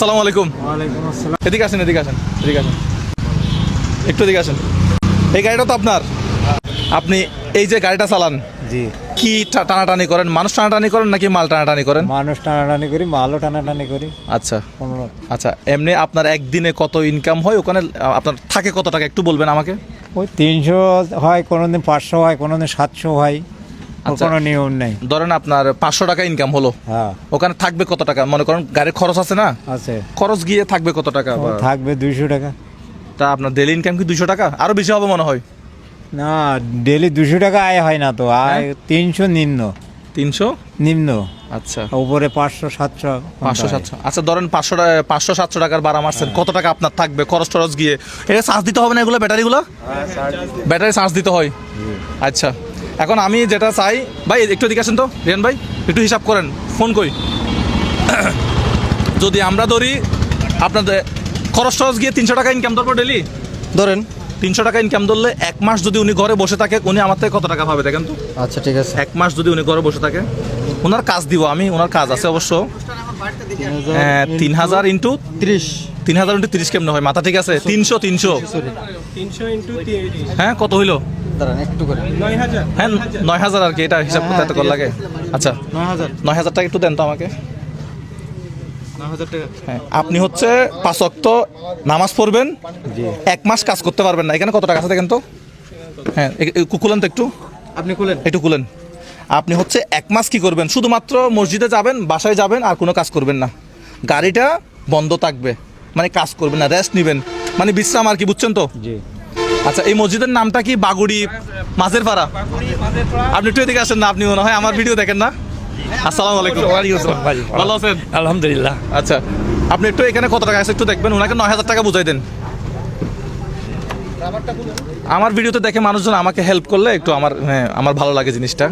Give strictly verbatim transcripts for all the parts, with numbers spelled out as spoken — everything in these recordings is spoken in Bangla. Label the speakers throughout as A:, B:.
A: আসসালামু আলাইকুম।
B: ওয়ালাইকুম আসসালাম।
A: এদিকে আসেন, এদিকে আসেন, এদিকে আসেন, একটু এদিকে আসেন। এই গাড়িটা তো আপনার, আপনি এই যে গাড়িটা চালান,
B: জি,
A: কি টা- টানাটানি করেন? মানুষ টানাটানি করেন নাকি মাল টানাটানি করেন?
B: মানুষ টানাটানি করি, মালও টানাটানি করি।
A: আচ্ছা
B: কোনো
A: আচ্ছা, এমনি আপনার একদিনে কত ইনকাম হয় ওখানে? আহ, আপনার থাকে কত টাকা একটু বলবেন আমাকে?
B: ওই তিনশো হয়, কোনোদিন পাঁচশো হয়, কোনোদিন সাতশো হয়, ওর
A: আচ্ছা।
B: কোনো নিয়ম নেই।
A: ধরেন আপনার পাঁচশো টাকা ইনকাম হলো,
B: হ্যাঁ,
A: ওখানে থাকবে কত টাকা? মনে করেন গাড়ির খরচ আছে না,
B: আছে।
A: খরচ গিয়ে থাকবে কত টাকা?
B: ও থাকবে দুইশো টাকা।
A: তা আপনার ডেলি ইনকাম কি দুশো টাকা? আরো বেশি হবে মনে হয়।
B: না, ডেলি দুশো টাকা আয় হয় না তো, আয় তিনশো নিম্ন
A: তিনশো
B: নিম্ন,
A: আচ্ছা,
B: উপরে পাঁচশো সাতশো
A: পাঁচশো সাতশো আচ্ছা ধরেন পাঁচশো টাকা, পাঁচশো সাতশো টাকার ভাড়া মারছেন, কত টাকা আপনার থাকবে খরচ টরচ গিয়ে? এটা চার্জ দিতে হবে না এগুলো, ব্যাটারিগুলো? ব্যাটারি চার্জ দিতে হয়। আচ্ছা, এখন আমি যেটা চাই, ভাই একটু এদিকে আসেন তো রিয়ান ভাই, একটু হিসাব করেন, ফোন কই। যদি আমরা ধরি আপনাদের খরচ টরচ গিয়ে তিনশো টাকা ইনকাম ধরবো ডেলি,
C: ধরেন।
A: তিনশো টাকা ইনকাম ধরলে এক মাস যদি উনি ঘরে বসে থাকে, উনি আমার থেকে কত টাকা পাবে দেখেন তো?
C: আচ্ছা ঠিক আছে।
A: এক মাস যদি উনি ঘরে বসে থাকে, ওনার কাজ দিব আমি, ওনার কাজ আছে অবশ্য। হ্যাঁ, তিন হাজার ইন্টু
C: ত্রিশ।
A: তিন হাজার ইন্টু তিরিশ কেমনে হয়? মাথা ঠিক আছে? তিনশো তিনশো হ্যাঁ, কত হইলো?
C: দাঁড়ান একটু করে।
A: হ্যাঁ, নয় হাজার আর কি, এটা হিসাব করতে এত কর লাগে। আচ্ছা,
C: নয় হাজার।
A: নয় হাজার টাকা একটু দেন তো আমাকে।
C: নয় হাজার টাকা।
A: হ্যাঁ, আপনি হচ্ছে পাঁচ ওয়াক্ত নামাজ পড়বেন, এক মাস কাজ করতে পারবেন না। এখানে কত টাকা আছে দেখেন তো? হ্যাঁ, কুকুলেন তো একটু,
C: আপনি খুলেন।
A: একটু খুলেন। আপনি হচ্ছে এক মাস কি করবেন? শুধুমাত্র মসজিদে যাবেন, বাসায় যাবেন, আর কোনো কাজ করবেন না। গাড়িটা বন্ধ থাকবে, মানে কাজ করবেন না, রেস্ট নেবেন, মানে বিশ্রাম আর কি, বুঝছেন তো?
B: জি।
A: আচ্ছা, এই মসজিদের নামটা কি? বাগুড়ি মাঝের পাড়া। আপনি একটু এদিকে আসেন না, আপনি মনে হয় আমার ভিডিও দেখেন না? আসসালামু আলাইকুম। ভালো আছেন?
D: আলহামদুলিল্লাহ।
A: আচ্ছা, আপনি একটু এখানে কত টাকা আছে একটু দেখবেন, ওনাকে নয় হাজার টাকা বুঝাই দেন। আমার ভিডিওতে দেখে মানুষজন আমাকে হেল্প করলে একটু আমার, হ্যাঁ, আমার ভালো লাগে জিনিসটা।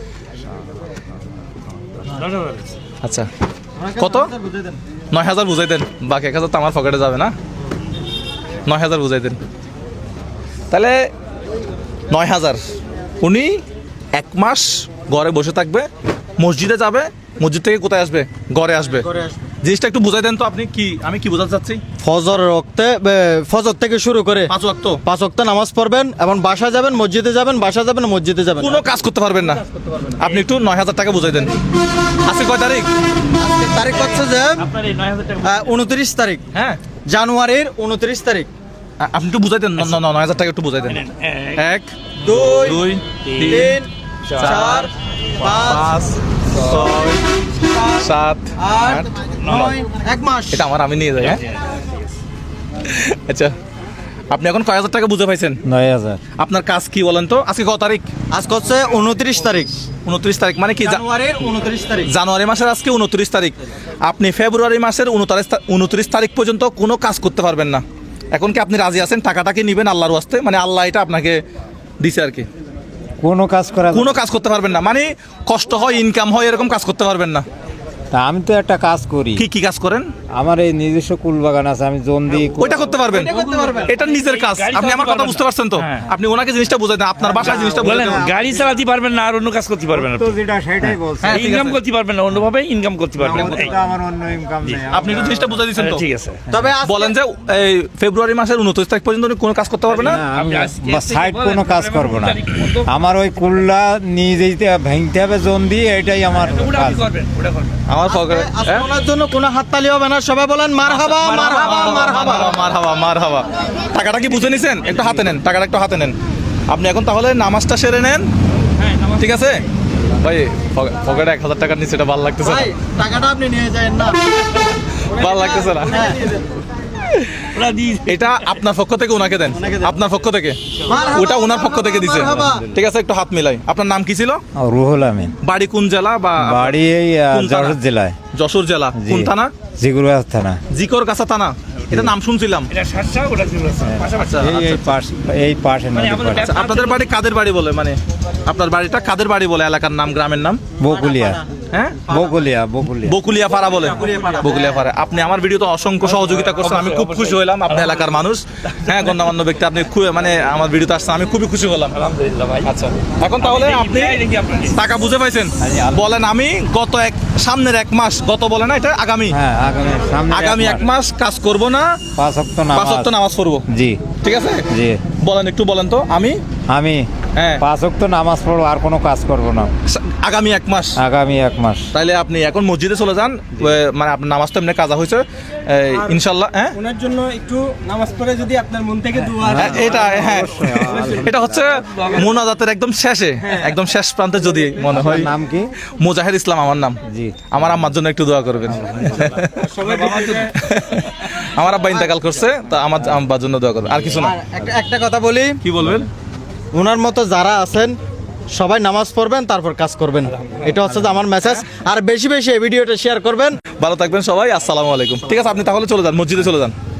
A: আচ্ছা, কত? নয় হাজার বুঝাই দেন, বাকি এক হাজার তো আমার পকেটে যাবে না। নয় হাজার বুঝাই দেন, তাহলে নয় হাজার। উনি এক মাস ঘরে বসে থাকবে, মসজিদে যাবে, মসজিদ থেকে কোথায় আসবে? ঘরে আসবে। জিনিসটা একটু বুঝাই দেন তো আপনি, কি আমি কি বোঝাতে চাচ্ছি?
C: ফজর রক্তে ফজর থেকে শুরু করে
A: পাঁচ ওয়াক্ত
C: পাঁচ ওয়াক্ত নামাজ পড়বেন এবং বাসা যাবেন, মসজিদে যাবেন, বাসা যাবেন, মসজিদে যাবেন।
A: কোনো কাজ করতে পারবেন না। আপনি একটু নয় হাজার টাকা বুঝাই দেন। আজকে কয় তারিখ?
C: তারিখ হচ্ছে যে উনত্রিশ তারিখ,
A: হ্যাঁ,
C: জানুয়ারির উনত্রিশ তারিখ।
A: আ- আপনি একটু বুঝাই দেন, ন- ন- নয় হাজার টাকা একটু বুঝাই দেন। এক,
C: দুই,
A: দুই,
C: তিন, চার, পাঁচ,
A: পাঁচ, ছয়, সাত,
C: আট,
A: আট,
C: নয়, এক মাস।
A: এটা আমার, আমি নিয়ে যাই। হ্যাঁ, আচ্ছা, আপনি এখন কয় হাজার টাকা বুঝে পাইছেন?
B: নয় হাজার।
A: আপনার কাজ কি বলেন তো? আজকে কত তারিখ?
C: আজকে হচ্ছে উনত্রিশ তারিখ,
A: উনত্রিশ তারিখ, মানে কি? জা-
C: জানুয়ারির উনত্রিশ তারিখ।
A: জানুয়ারি মাসের আজকে উনত্রিশ তারিখ। আপনি ফেব্রুয়ারি মাসের উনত্রিশ উনত্রিশ তারিখ পর্যন্ত কোনো কাজ করতে পারবেন না। এখন কি আপনি রাজি আছেন? টাকাটা কি নেবেন আল্লাহর ওয়াস্তে? মানে আল্লাহ এটা আপনাকে দিছে আর কি।
B: কোনো কাজ করা
A: কোনো কাজ করতে পারবেন না, মানে কষ্ট হয়, ইনকাম হয়, এরকম কাজ করতে পারবেন না।
B: তা আমি তো একটা কাজ করি,
A: কি কি কাজ করেন?
B: আমার এই নিজস্ব কুল বাগান আছে, আমি জন দিই।
A: ওইটা করতে পারবেন, এটা নিজের কাজ। আপনি আমার কথা বুঝতে পারছেন তো? আপনি ওনাকে জিনিসটা বুঝাই দেন, আপনার বাসায় জিনিসটা বুঝাই
D: বলেন,
A: দেন।
D: গাড়ি চালাতে পারবেন না আর অন্য কাজ করতে পারবেন না।
B: তো যেটা সেটাই বলছি।
A: হ্যাঁ, ঠিক
D: ইনকাম
A: আছে।
D: করতে পারবেন না, অন্যভাবে ইনকাম করতে পারবেন।
B: আমাদের তো আমার অন্য ইনকাম নেই।
A: আপনি একটু জিনিসটা বুঝাই দিচ্ছেন তো?
D: ঠিক আছে।
C: তবে আজকে-
A: বলেন যে এই ফেব্রুয়ারি মাসের উনত্রিশ তারিখ পর্যন্ত উনি কোনো কাজ করতে পারবে না।
B: না, আমি
D: আপনি আজকে
B: বা
D: থেকে
B: সাইড
D: বলেন,
B: কোনো কাজ
D: তাহলে
B: করব না।
D: তারিখ মতো।
B: আমার ওই কুল্লা নিয়ে যেতে ভাঙতে হবে, জন দিয়ে, এটাই আমার
D: ওটা
B: কাজ।
D: আপনি করবেন, ওটা করবেন।
A: আমার পকেটে
C: আজকে ওনার জন্য কোনো হাততালি হবে না, সবাই বলেন মারহাবা, মারহাবা, মারহাবা।
A: মারহাবা মারহাবা। টাকাটা কি বুঝে নিছেন? একটু হাতে নেন, টাকাটা একটু হাতে নেন। আপনি এখন তাহলে নামাজটা সেরে নেন, ঠিক আছে? ভাই পকে- পকেটে এক হাজার টাকার নিচে, এটা ভালো লাগতেছে না,
C: ভাই, টাকাটা আপনি নিয়ে যাবেন না।
A: ভালো লাগতেছে না।
D: ওরা দিয়ে
A: এটা আপনার পক্ষ থেকে ওনাকে দেন, আপনার পক্ষ থেকে।
C: মারহাবা,
A: ওটা ওনার পক্ষ থেকে দিছে,
C: মারহাবা।
A: ঠিক আছে? একটু হাত মিলাই। আপনার নাম কি ছিল?
B: আর রুহুল আমিন,
A: বাড়ি কোন জেলা? বা
B: বাড়ি এই আহ,
A: কোন থানা?
B: যশোর জেলায়।
A: যশোর জেলা
B: জি।
A: কোন থানা?
B: জিগুরগাছ থানা।
A: জিকর কাছা থানা, এটা নাম শুনছিলাম।
D: এটা সাতটা, ওটা ছিল পাশাপাশি।
A: আচ্ছা,
B: এই এই
A: আচ্ছা।
B: পাশ, এই পাশে
D: মানে
B: নদী
D: আমাদের
B: পাড়ে।
A: আচ্ছা, আপনাদের বাড়ি কাদের বাড়ি বলে? মানে আপনার বাড়িটা কাদের বাড়ি বলে? এলাকার নাম, গ্রামের নাম?
B: বকুলিয়া।
A: হ্যাঁ
B: বকুলিয়া বকুলিয়া
A: বকুলিয়া পাড়া বলে বকুলিয়া পাড়া। আপনি আমার ভিডিওতে অসংখ্য সহযোগিতা করছেন, আমি খুব খুশি হলাম। আপনি এলাকার মানুষ, হ্যাঁ গণ্যমান্য ব্যক্তি, আপনি খুব মানে আমার ভিডিওতে আসছেন, আমি খুবই খুশি হলাম।
D: আলহামদুলিল্লাহ ভাই।
A: আচ্ছা, এখন তাহলে আপনি
D: দেখি আপনার
A: টাকা বুঝে পাইছেন? বলেন আমি গত এক সামনের এক মাস, গত বলে না এটা আগামী
B: হ্যাঁ আগামী সামনে
A: আগামী এক মাস কাজ করব না,
B: পাঁচ ওয়াক্ত
A: পাঁচ
B: নামাজ
A: ওয়াক্ত নামাজ পড়বো,
B: জি
A: ঠিক আছে?
B: জি
A: বলেন একটু বলেন তো। আমি
B: আমি
A: হ্যাঁ
B: পাঁচ ওয়াক্ত নামাজ পড়বো, আর কোনো কাজ করব না
A: আগামী এক মাস।
B: আগামী এক মাস।
A: তাইলে আপনি এখন মসজিদে চলে যান, মানে আপনার নামাজ তো এমনি কাজা হয়েছে ইনশাল্লাহ। হ্যাঁ
E: ওনার জন্য একটু নামাজ পড়ে যদি আপনার মন থেকে দোয়া
A: হ্যাঁ, এটা হ্যাঁ এটা হচ্ছে মোনাজাতের একদম শেষে, একদম শেষ প্রান্তে যদি মনে হয়।
B: নাম কি?
A: মুজাহিদ ইসলাম আমার নাম।
B: জি
A: আমার আম্মার জন্য একটু দোয়া করবেন। আমার আব্বা ইন্তেকাল করছে, তো আমার আব্বার জন্য দোয়া করবেন, আর কিছু না।
C: আর একটা একটা কথা বলি,
A: কি বলবেন?
C: ওনার মতো যারা আছেন সবাই নামাজ পড়বেন, তারপর কাজ করবেন। এটা হচ্ছে যে আমার মেসেজ। আর বেশি বেশি এই ভিডিওটা শেয়ার করবেন।
A: ভালো থাকবেন সবাই, আসসালামু আলাইকুম। ঠিক আছে, আপনি তাহলে চলে যান, মসজিদে চলে যান।